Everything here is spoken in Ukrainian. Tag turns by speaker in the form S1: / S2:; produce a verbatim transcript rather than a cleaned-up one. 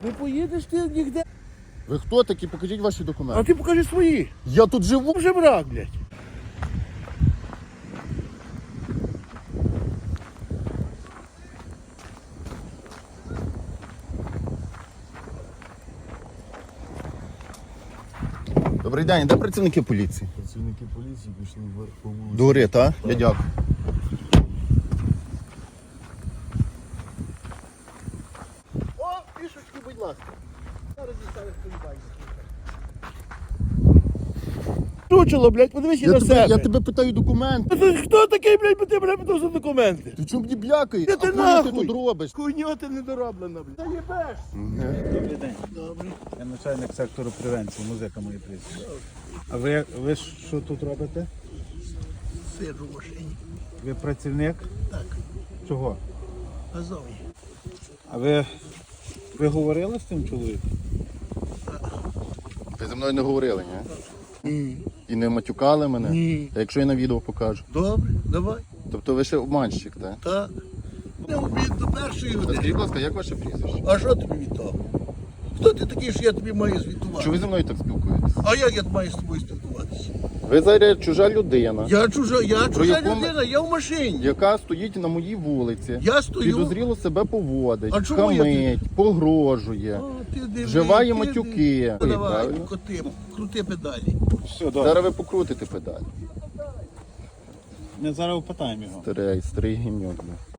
S1: Не поїдеш ти ніде.
S2: Ви хто такі? Покажіть ваші
S1: А
S2: документи.
S1: ти покажи свої.
S2: Я тут живу.
S1: Вже брак, блядь.
S2: Добрий день, де працівники поліції?
S3: Працівники поліції пішли вверх по вулиці.
S2: До гори, так? Я дякую.
S1: О, пішечки, будь ласка. Зараз дістанеш полюбайся. Чучело, блядь, подивись і
S2: Я
S1: на
S2: тебе,
S1: себе.
S2: я тебе питаю документи.
S1: Ти хто такий, блядь, бо ти мене питав за документи?
S2: Ти чому мені блякаєш?
S1: Ти
S2: А
S1: ти
S2: хуй
S1: нахуй?
S2: ти тут робиш?
S1: Хуйня ти недороблена, блядь. Та їбеш.
S3: Добрий день.
S1: Добре.
S3: Я начальник сектору превенції, музика моє прізвище. А ви, ви що тут робите?
S1: Сиджу в машині.
S3: Ви працівник?
S1: Так,
S3: Чого?
S1: газові.
S3: А ви, ви говорили з цим чоловіком?
S2: Ви зі мною не говорили, ні?
S1: Ні.
S2: І не матюкали мене?
S1: Ні.
S2: А якщо я на відео покажу?
S1: Добре, давай.
S2: Тобто ви ще обманщик, так?
S1: Так. Не обід до першої
S2: Та
S1: години.
S2: скажіть, будь ласка, як ваше прізвище?
S1: А що тобі від того? Хто ти такий, що я тобі маю звітувати?
S2: Чого ви зі мною так спілкуєтесь?
S1: А як я маю з тобою спілкуватися?
S2: Ви зараз чужа людина,
S1: Я чужа, я чужа
S2: якому-
S1: людина, я в машині.
S2: яка стоїть на моїй вулиці,
S1: Я стою.
S2: підозріло себе поводить,
S1: А чому я
S2: хамить, погрожує,
S1: О, ти диви,
S2: вживає
S1: ти
S2: матюки.
S1: диви. Ну, давай,
S2: Правильно?
S1: коти, крути педалі.
S3: Все, добре.
S2: Зараз ви покрутите педаль.
S3: Ми зараз опитаємо його.
S2: Старий, старий гімньок.